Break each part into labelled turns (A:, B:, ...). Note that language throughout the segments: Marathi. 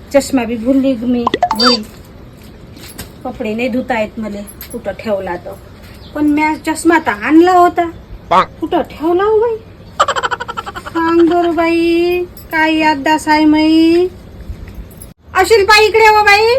A: चष्मा बी भुलली मी घरी. कपडे नाही धुता येत मला. कुठं ठेवला तो. पण मी चष्मा तर आणला होता. कुठं ठेवला हो बाई. सांग बरं बाई काय याददास आहे माई. अशील बाई इकडे हो बाई.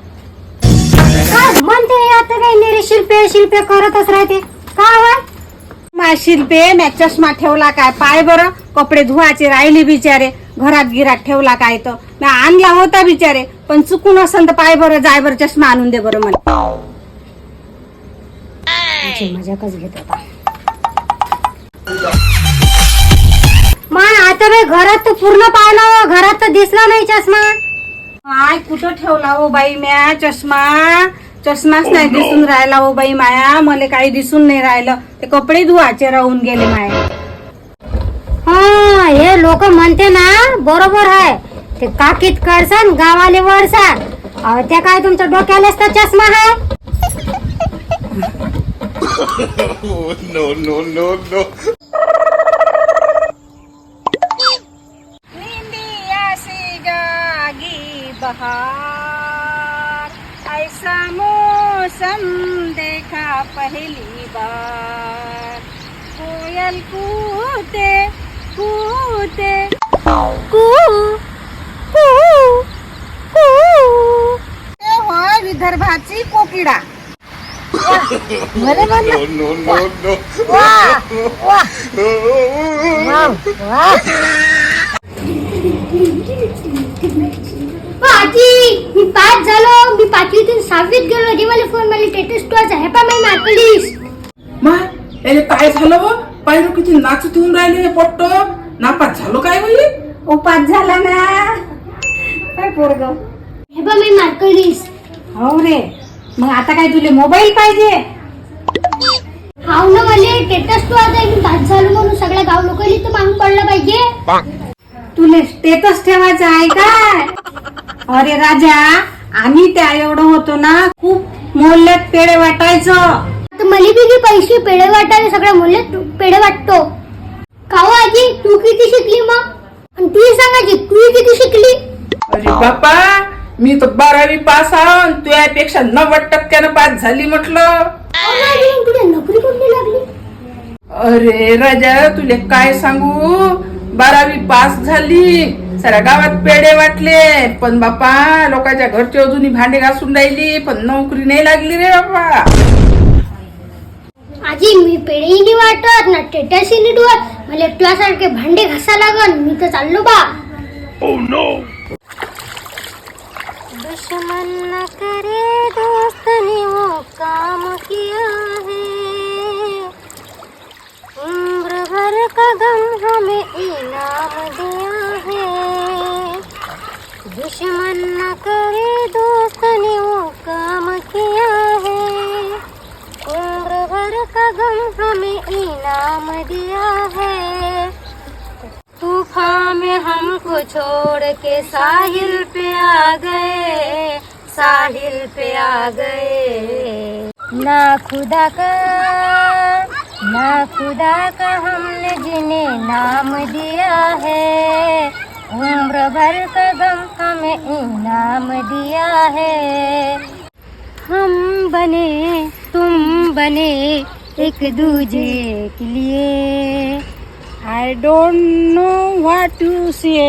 B: काय म्हणते आता काही नाही शिल्पे शिल्पे करतच राहते काय
A: मा शिल्पे मी चष्मा ठेवला काय पाय बरं. कपडे धुवायचे राहिले बिचारे. घरात गिरात ठेवला काय तर मी आणला होता बिचारे. पण चुकून असेल तर पाय बरं जाय बरं चष्मा आणून दे बरं मला.
B: मजाकच घेत होता मान. आता बाई घरात तर पूर्ण पाहिलं घरात तर दिसला नाही चष्मा.
A: काय कुठं ठेवला हो बाई म्या चष्मा. चष्माच नाही दिसून राहिला हो बाई माया. मला काही दिसून नाही राहिलं. ते कपडे धुवायचे राहून गेले माया.
B: हा हे लोक म्हणते ना बरोबर आहे. ते काकीत करसान गावाले वळसान. त्या काय तुमच्या डोक्यालाच तर चष्मा आहे.
C: no.
A: निंदिया सी जागी बहार. ऐसा मौसम देखा पहली बार. कोयल कूते कूते
B: कू कू कू.
A: ते होय विदर्भाची कोकिडा.
B: बरे म्हणलं.
C: No.
B: वाह वाह वाह वाह. आजी मी 5 झालो. मी 5वीतून 6वीत गेलो. जे मला फोन मला स्टेटस टूचा हे पा मी मार्कलिस.
D: माय याले काय झालं व पायरो किती नाचत होऊन राहिले पोट्ट. नापास झालो काय होई.
A: उपास झाला ना काय पोरग.
B: हे पा मी मार्कलिस.
A: हो रे मग आता काय तुले मोबाईल पाहिजे.
B: हाव ना मला स्टेटस टू आता मी 5 झालो म्हणून सगळ्या गाव लोकांनी तर मागून पडलं पाहिजे.
A: तुले स्टेटस ठेवायचं आहे काय. अरे राजा आम्ही त्या एवढं होतो ना खूप मोहल्ल्यात पेढे वाटायचं.
B: आता मला बी पैसे पेढे वाटायला सगळ्या मुले पेढे वाटतो. काहो आजी तू किती शिकली मग. आणि तू सांगायची तू किती शिकली.
D: अरे बापा मी तर 12वी पास आहे. तुझ्यापेक्षा 90% पास झाली म्हटलं.
B: तुला नोकरी कोणती लागली.
D: अरे राजा तुले काय सांगू 12वी पास झाली. साऱ्या गावात पेढे वाटले. पण बापा लोकांच्या घरची अजूनही भांडे घासून राहिली. पण नोकरी नाही लागली रे बापा.
B: आजी मी पेढेही नाही वाटत ना स्टेटसही नाही ठेवत. मला तुझ्यासारखे भांडे घासा लागन. मी तर चाललो बा. दुश्मन न करे दोस्त ने वो काम किया है. उम्र भर का गम हमें इनाम दिया है. दुश्मन न करे दोस्त ने वो काम किया है. उम्र भर का गम हमें इनाम दिया है. तूफान में हमको छोड़ के साहिल पे आ गए. साहिल पे आ गए. ना खुदा का हमने जिन्हें नाम दिया है. उम्र भर का गम हमें इनाम दिया है. हम बने तुम बने एक Duje Ke Liye.
A: I don't know what you say.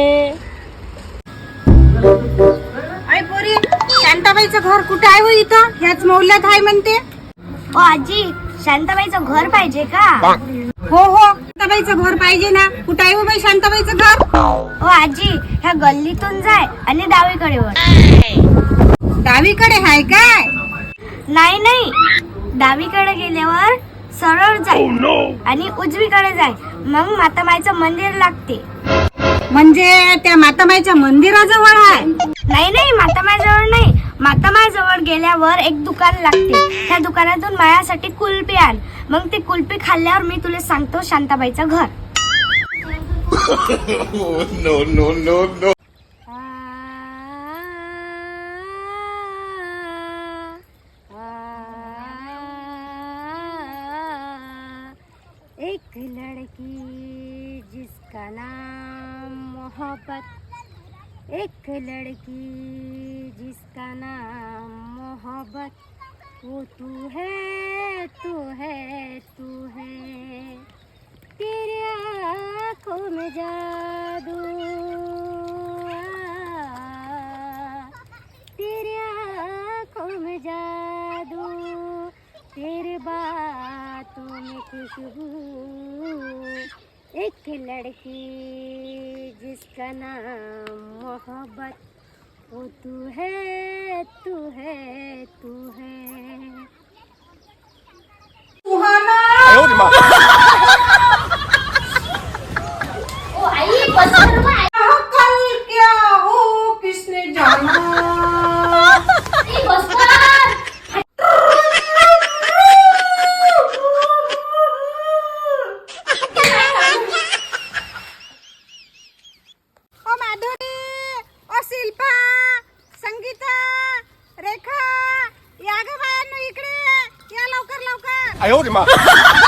A: आई पोरी शांताबाईचं घर कुठं आहे हो इथं. ह्याच मोहल्ल्यात आहे म्हणते.
B: ओ आजी शांताबाईचं घर पाहिजे का.
A: हो शांताबाईचं घर पाहिजे ना. कुठं आहे हो बाई शांताबाईचं घर.
B: ओ आजी ह्या गल्लीतून जाय आणि डावीकडे वळ.
A: डावीकडे आहे काय.
B: नाही डावीकडे गेल्यावर सरळ जाय आणि उजवीकडे जाय. मग मातामाईचं मंदिर लागते.
A: म्हणजे त्या मातामाईच्या मंदिराजवळ आहे.
B: नाही मातामाईजवळ नाही. मातामाईजवळ गेल्यावर एक दुकान लागते. त्या दुकानातून माझ्यासाठी कुल्फी आण. मग ती कुल्फी खाल्ल्यावर मी तुला सांगतो शांताबाईचं घर.
C: No.
B: एक लड़की जिसका नाम मोहब्बत एक लड़की जिसका नाम मोहब्बत, वो तू है तू है तू है, तेरे आँखों में जादू, तेरे आँखों में जादू, तेरे बातों में खुशबू, एक लड़की जिसका नाम मोहब्बत, वो तू है तू है तू है।
A: सुहाना
B: ओ आई बस
A: कल क्या हो किसने जाना।
B: बस
A: ओ माधुरी, ओ शिल्पा, संगीता, रेखा, या ग बायांनो इकडे या लवकर लवकर.